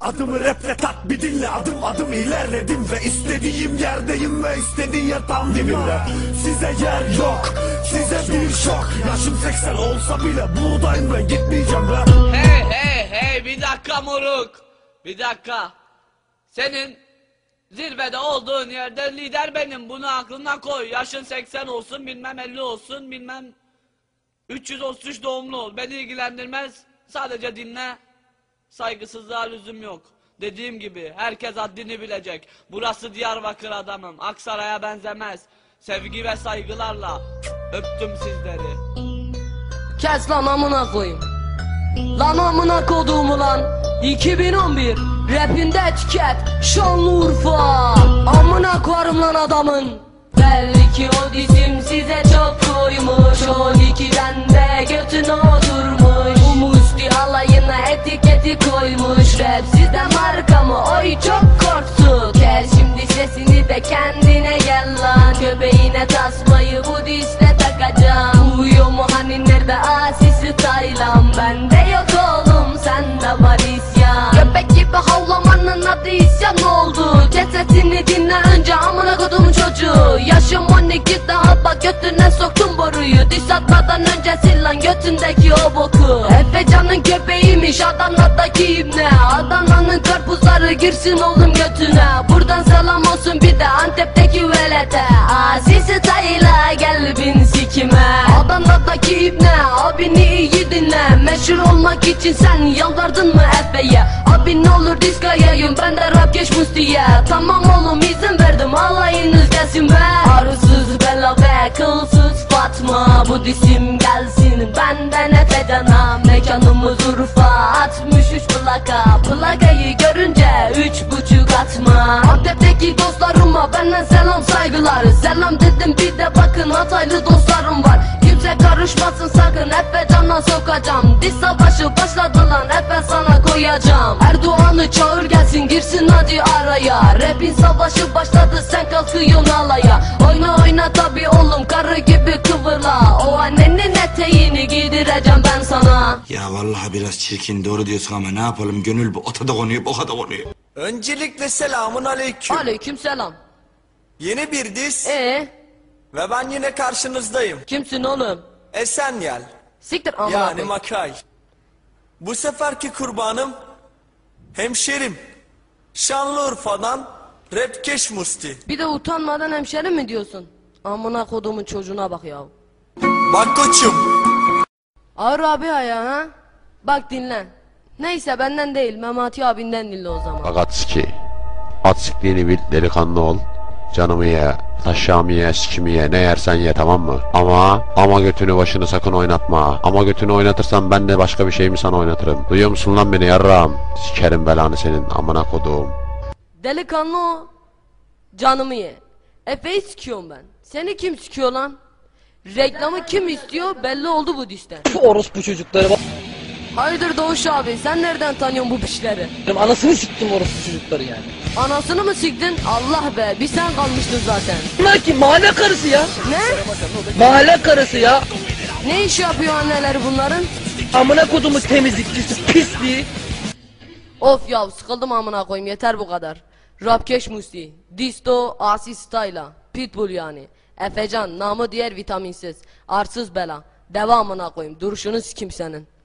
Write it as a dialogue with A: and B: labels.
A: Adımı raple tat bir dinle, adım adım ilerledim ve istediğim yerdeyim ve istediğin yatağım dibimde. Size yer yok, size bir şok. Yaşım 80 olsa bile buradayım ve gitmeyeceğim be.
B: Hey bir dakika moruk. Bir dakika. Senin zirvede olduğun yerde lider benim, bunu aklına koy. Yaşın 80 olsun, bilmem 50 olsun, bilmem 333 doğumlu ol, beni ilgilendirmez. Sadece dinle. Saygısızlığa lüzum yok. Dediğim gibi herkes haddini bilecek. Burası Diyarbakır adamım, Aksaray'a benzemez. Sevgi ve saygılarla öptüm sizleri.
C: Kes lan amına koyayım. Lan amına koduğumu lan. 2011 rapinde etiket Şanlıurfa. Amına koyarım lan adamın. Belki o dizim size çok koymuş, 12'den de götüne oturmuş. Bu musti alayına etiketi koymuş. Rap sizde marka mı? Oy çok korktu. Gel şimdi sesini de kendine gel lan. Göbeğine tasmayı bu dişle takacağım. Uyuyor mu hani nerede asisi Taylan? Bende yok oğlum, sende var isyan. Köpek gibi havlamanın adı isyan oldu. Kes sesini dinle önce amına kodumun çocuğu. Yaşım 12 daha bak götüne soktum boruyu. Diş atmadan önce sil lan götündeki o boku. Efecan'ın köpeğiymiş Adana'daki ibne. Adana'nın karpuzları girsin oğlum götüne. Buradan selam olsun bir de Antep'teki velete. Asisi Tayla gel bin sikime. Adana'daki ibne abini iyi dinle. Meşhur olmak için sen yalvardın mı Efe'ye? Abi ne olur diska yayın, ben de rap geç Musti'ye. Tamam oğlum izin verdim, alayınız gelsin be. Arısız Bella ve kılsız Fatma, bu disim gelsin benden Efecan'a. Mekanımız Urfa 63 plaka. Plakayı görünce 3,5 atma. Antep'teki dostlarıma benden selam saygılar. Selam dedim bir de bakın Hataylı dostlarım var. Kimse karışmasın sakın, Efecan'a sokacağım. Diz savaşı başladı lan, Efe sana koyacağım. Erdoğan'ı çağır gelsin girsin hadi araya. Rap'in savaşı başladı sen kalkıyorsun alaya. Oyna oyna tabi oğlum karı gibi kıvırla. O annenin eteğini giydireceğim ben sana.
D: Ya vallahi biraz çirkin, doğru diyorsun ama ne yapalım, gönül bu ota da konuyor boka da konuyor.
A: Öncelikle selamun aleyküm.
C: Aleyküm selam.
A: Yeni bir diz ve ben yine karşınızdayım.
C: Kimsin oğlum?
A: Esenyel,
C: Siktir amına
A: yani
C: koyayım.
A: Makay. Bu seferki kurbanım hemşerim Şanlıurfa'dan Rapkeş Musti.
C: Bir de utanmadan hemşerim mi diyorsun? Amına kodumun çocuğuna bak ya.
A: Bak koçum.
C: Ağır abi ya ha? Bak dinle. Neyse benden değil, Memati abinden dinle o zaman.
E: Fakat ki at siktiğini bil, delikanlı ol. Canımı ye, taşağımı ye, sikimi ye, ne yersen ye, tamam mı? Ama götünü başını sakın oynatma. Ama götünü oynatırsan ben de başka bir şey mi sana oynatırım? Duyuyor musun lan beni yarrağım? Sikerim belanı senin amına koduğum.
C: Delikanlı o. Canımı ye. Efe'yi sikiyorum ben. Seni kim sikiyor lan? Reklamı kim istiyor belli oldu bu dişten.
F: Şu orospu çocukları bak.
C: Hayırdır Doğuş abi, sen nereden tanıyorsun bu pişleri?
F: Anasını siktim orospu çocukları yani.
C: Anasını mı siktin? Allah be, bir sen kalmıştın zaten.
F: Bunlar ki mahalle karısı ya.
C: Ne?
F: Mahalle karısı ya.
C: Ne iş yapıyor anneleri bunların?
F: Amına kodumu temizlikçisi pisliği.
C: Of ya, sıkıldım amına koyayım, yeter bu kadar. Rapkeş Musti, Disto, Asi Styla, Pitbull yani. Efecan, namı diğer vitaminsiz, arsız bela. Devamına koyayım, duruşunu sikim senin.